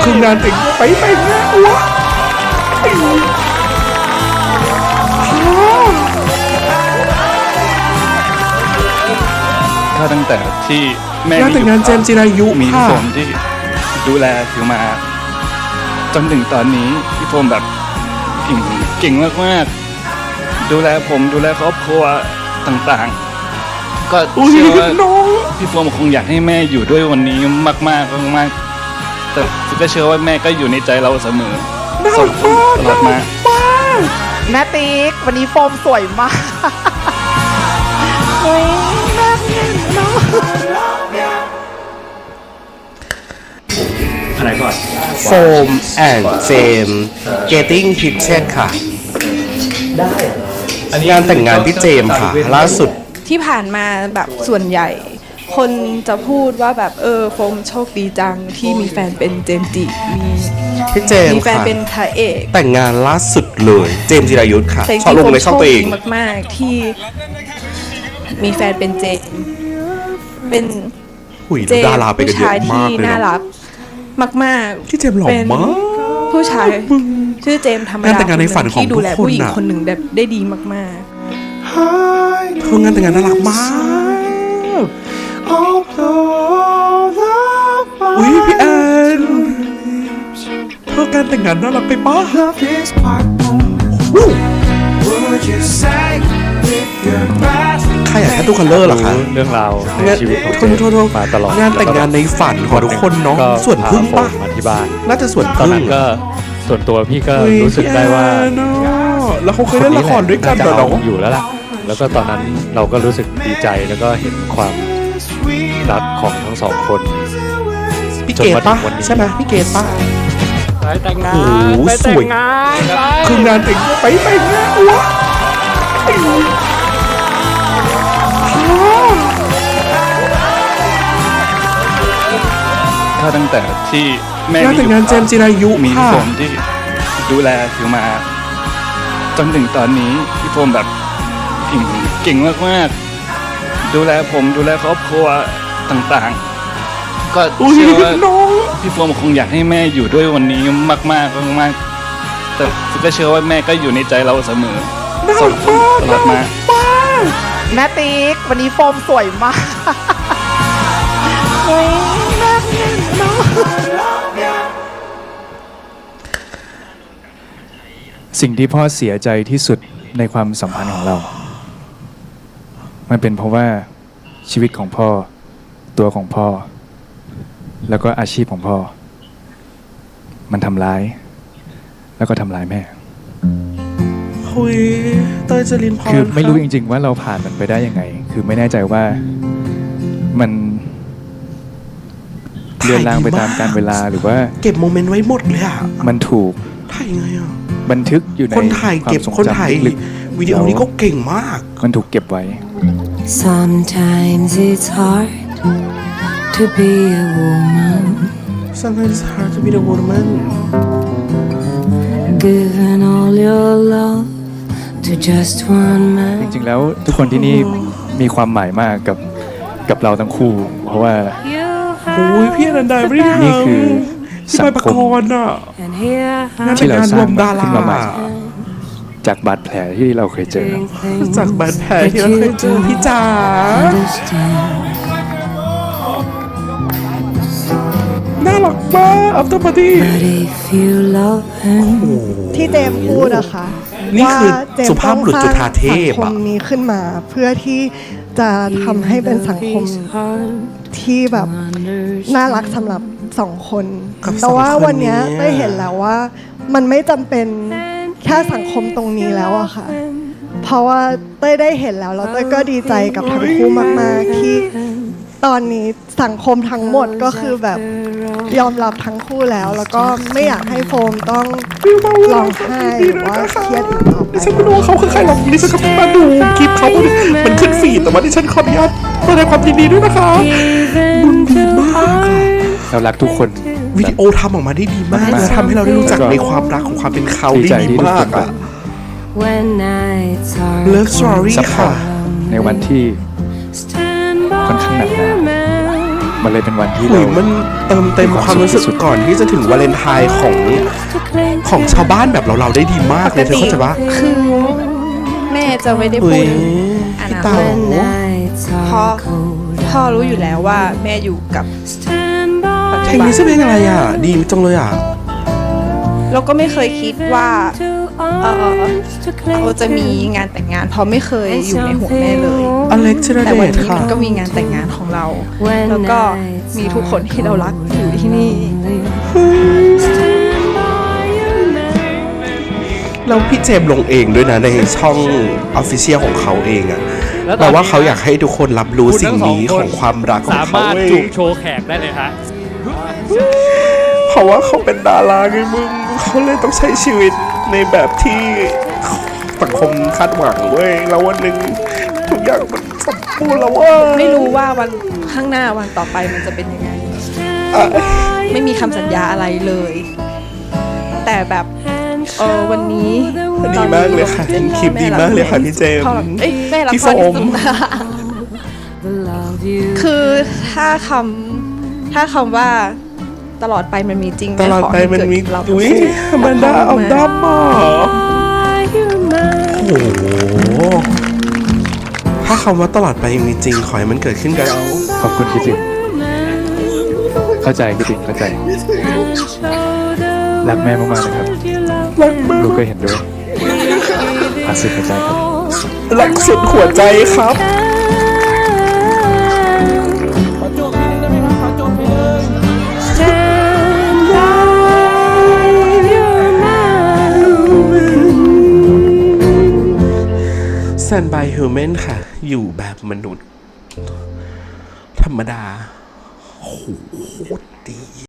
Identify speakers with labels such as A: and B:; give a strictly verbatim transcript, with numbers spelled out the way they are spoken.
A: คืองานแต่งไปไปงานวะ
B: ก็ตั้งแต่ที่แม่
A: งานแต่งงานเจมส์จิรายุ
B: มี
A: ค่ะ
B: โฟมที่ดูแลถือมาจนถึงตอนนี้พี่โฟมแบบเก่งเก่งมากๆดูแลผมดูแลครอบครัวต่างๆก็เชื่อว่าพี่โฟมคงอยากให้แม่อยู่ด้วยวันนี้มากๆมากๆแต่ก็เชื่อว่าแม่ก็อยู่ในใจเราเสมอส่งตลอดมา
C: แม่ติ๊กวันนี้โฟมสวยมากเฮ้ยแม่เนาะ
B: อะไรก่อน
A: โฟมแอนด์เจมส์ getting picture ค่ะงานแต่งงานที่เจมส์ค่ะล่าสุด
D: ที่ผ่านมาแบบส่วนใหญ่ คนจะพูดว่าแบบเออโฟมโชคดีจังที่มีแฟนเป็นเจมส์จิมี
A: พี่เจม
D: มี
A: ส์
D: แฟน
A: ค่ะ
D: เป็นพระเอก
A: แต่งงานล่าสุดเลยเจมส์จิรายุทธค่ะ
D: แต่จ
A: ชอบ
D: ริง
A: ล
D: ๆ
A: ง
D: โฟ
A: ใน
D: ม
A: ช่อง
D: โช
A: ตัว
D: ค
A: เอ
D: ดี
A: ง
D: มากๆที่มีแฟนเป็นเจมส์เป็น
A: หุย
D: เจม
A: ดารา
D: ส์
A: ไปกัน
D: ผู้
A: เยอะ
D: ชาย
A: มา
D: ที่
A: กเลย
D: น่า
A: เนาะ
D: รักมากๆ
A: พี่เจมส์หล่อ
D: เป็น
A: มาก
D: ผู้ชายชื่อเจมส์ธรรม
A: งาน
D: ดา
A: แต่งงานในฝันของ
D: ที่ดูแล
A: ทุกคน
D: ผู้หญิง
A: น่ะ
D: คนหนึ่งได้ได้ดีมากๆ
A: คืองานแต่งงานน่ารักมาก อุ้ยพี่แอนเธอการแต่งงานน่ารักไปปะใครอยากแค่ตู้คัลเลอร์เหรอคะ
B: เรื่องราวในชีวิตของ
A: โทษโทษโทษ
B: มาตลอด
A: งานแต่งงานในฝันของทุกคนเนาะ
B: ก็
A: ส่วนพึ่งปะ
B: พาโฟมมาที่บ้าน
A: น่าจะส่วน
B: ตอน
A: พึ่ง
B: นั้นก็ส่วนตัวพี่ก็
A: อุ๊ย
B: รู้สึกได้ว่า
A: พี่แอนเนอะแล้วเขาเคยเล่นละครด้วยกันเหรอ
B: จะ
A: เนาะ
B: เอาอยู่แล้วล่ะ แล้วก็ตอนนั้นเราก็รู้สึกดีใจแล้วก็เห็นความรักของทั้งสองคน
A: พี่เกดปะใช่ไหมพี่เกดปะ
B: ไปแต่งงา
A: โอ้
B: น
A: โห
B: ไป
A: ส
B: แต่
A: วย
B: งงานไป
A: คืองานแต่งไปไปงานวะ
B: ก็ตั้งแต่ที่แม่
A: งานแต่งงานเจมส์จิรายุ
B: มี
A: ค่ะ
B: โฟมที่ดูแลถือมาจนถึงตอนนี้พี่โฟมแบบเก่งเก่งมากๆดูแลผมดูแลครอบครัวต่างๆ ก็เชื่อว่าพี่โฟมคงอยากให้แม่อยู่ด้วยวันนี้มากๆมากๆแต่ก็เชื่อว่าแม่ก็อยู่ในใจเราเสมอส่งตลอดมา
C: แม่ติ๊กวันนี้โฟมสวยมากเฮ้ยแม่เนาะ
E: สิ่งที่พ่อเสียใจที่สุดในความสัมพันธ์ของเรา มันเป็นเพราะว่าชีวิตของพ่อ ตัวของพ่อ แล้วก็อาชีพของพ่อ มันทำร้าย แล้วก็ทำร้ายแม่
A: คุยเตยจรินพร
E: คือไม่รู้จริงๆว่าเราผ่านมันไปได้ยังไง คือไม่แน่ใจว่ามันเลื่อนลางไปตามกาลเวลาหรือว่า
A: เก็บโมเมนต์ไว้หมดเลยอ่ะ
E: มันถูก
A: ถ่ายยังไงอ่ะ
E: บันทึกอยู่ใน
A: คนถ่าย
E: ควา
A: เก็บ
E: มทรง
A: คนถ่าย
E: จำลึก
A: วิดีโอนี้ก็เก่งมาก
E: ๆมันถูกเก็บไว้
F: Sometimes it's hard to be a woman,
A: Sometimes it's hard to be the woman
F: giving all your love to just one
E: จ
F: man.
E: ริงๆแล้วทุกคนที่นี่มีความหมายมากกับกับเราทั้งคู่ เพราะว่า
A: โอ้ยพี่อนันดาไม่ได้ทำ
E: นี่คือ
A: พี่
E: สั
A: ไป
E: ง
A: ประ
E: ค
A: ก
E: ม
A: รณ์อ่ะ
F: And here
A: งาน
F: I
A: แต่งงานรวมดารา
E: ขึ้นมาใหม่ จากบาดแผลที่เราเคยเจอ
F: think things
A: จากบาดแผลที่เราเคยเจอพี่จ๋า
F: understand.
A: น่ารักมาก after party
F: But if you love him,
G: ที่เจมส์พูดอะค่ะ
A: นี่คือ
G: ว่าเจมส์
A: สุภาพบุรุษจุฑาเทพ
G: ต้องสร้างสังค
A: อะ
G: มนี้ขึ้นมาเพื่อที่จะทำให้เป็นสังคม
F: it's hard
G: ที่แบบ
F: to understand.
G: น่ารักสำหรับสองคน
A: กับ
G: แต่ว่า
A: สองคน
G: วันเนี้ย
A: นี้
G: ได้เห็นแล้วว่า มันไม่จำเป็นแค่สังคมตรงนี้แล้วอะค่ะ เพราะว่าเต้ยได้เห็นแล้วแล้วเต้ยก็ดีใจกับทั้งคู่มากๆที่ตอนนี้สังคมทั้งหมดก็คือแบบยอมรับทั้งคู่แล้ว แล้วก็ไม่อยากให้โฟมต้องร้องไห้หรือว่าเครียดอีกต่อไป
A: ดิฉันไม่รู้ว่าเขาคือใครหรอกดิฉันก็เพิ่งมาดูคลิปเขามันขึ้นฟีดแต่ว่าดิฉันขออนุญาตแสดงความยินดีด้วยนะคะบุญดีมากอะ
E: เรารักทุกคน
A: วิดีโอทำออกมาได้ดีมาก
E: มาก
A: และทำให้เราได้รู้จักในความรักของความเป็นเขา
E: ดีใจ
A: ได้ดี
E: ที่ทุก
A: มา
E: ค
A: ก
E: นแบ
A: อะ
E: บ
F: When nights are
A: Love Story
E: ซัพพอ
A: ค่ะ
E: ร์ตในวันที่
F: stand by
E: ค่อนข้างหนักหนา
F: your man.
E: มันเลยเป็นวันที่
A: หุ
E: เรา
A: ยมันเติมเต็มความรู้สึกก่อนที่จะถึงวาเลนไทน์ของของชาวบ้านแบบเราเราๆได้ดีมากเลยเธอเข้าใจปะ
D: คือแม่จะไม่ได้
A: เฮ้
D: พู
A: ย
D: ดอ
A: พี่
D: นา
A: เต๋า
D: คตเพราะพ่อรู้อยู่แล้วว่าแม่อยู่กับปัจ
A: เพ
D: จุ
A: ลง
D: บัน
A: นี้ชื่อเพลงอะไรอ่ะ ดีจังเลยอ่ะ
D: เราก็ไม่เคยคิดว่าเออเราจะมีงานแต่งงาน เพราะไม่เคยอยู่ในหัวแม่เลย
A: อเล็กธีร
D: แต่
A: เด
D: วัน
A: ช
D: นี้
A: ค่ะ
D: มันก็มีงานแต่งงานของเรา แล้วก็มีทุกคนที่เรารักอยู่ที่นี่
A: แล้วพี่เจมส์ลงเองด้วยนะในช่องออฟฟิเชียลของเขาเองอ่ะ
B: แล้วต
A: แป
B: อน
A: ล
B: นี้
A: ว่าเขาอยากให้ทุกคนรับรู้
B: คุณ
A: สิ่ง
B: ทั้งสอง
A: นี้
B: ค
A: ข
B: น
A: องความรักของ
B: สา
A: เขา
B: มารถ
A: เว้ย
B: จูบโชว์แขกได้เลยฮะ
A: เพราะว่าเขาเป็นดาราไงมึงเขาเลยต้องใช้ชีวิตในแบบที่สังคมคาดหวังเว้ยแล้ววันหนึ่งทุกอย่างมันสมบูรณ์แล้วเว่า
D: ไม่รู้ว่าวันข้างหน้าวันต่อไปมันจะเป็นยังไง ไม่มีคำสัญญาอะไรเลย แต่แบบเออวันนี้
A: ดีมากเลยค่ะเห็นคลิปดีมากเลยค่ะพี่เจมส์
D: พ่อเอ้ยแม่รัก
A: พี่
D: พ่อ
A: โฟ
D: ที่
A: ม
D: สุดคือถ้าคำถ้าคำว่าตลอดไปมันมีจริง
A: ตลอดไปมันมี
D: แขอให้เกิดกับเรา
A: อุ้ยมันดาเอาดับมาโอ้โหถ้าคำว่าตลอดไปยังมีจริงขอให้มันเกิดขึ้นกับเรา
E: ขอบคุณคิดถึงเข้าใจคิดถึงเข้าใจ รักแม่มากๆนะครับ
A: รักมาก
E: ลูกก็เห็นด้วยอาสิเข้าใจครับ
A: รักสุดหัวใจครับ Stand by Human ค่ะ อยู่แบบมนุษย์ ธรรมดาโหโคตรดี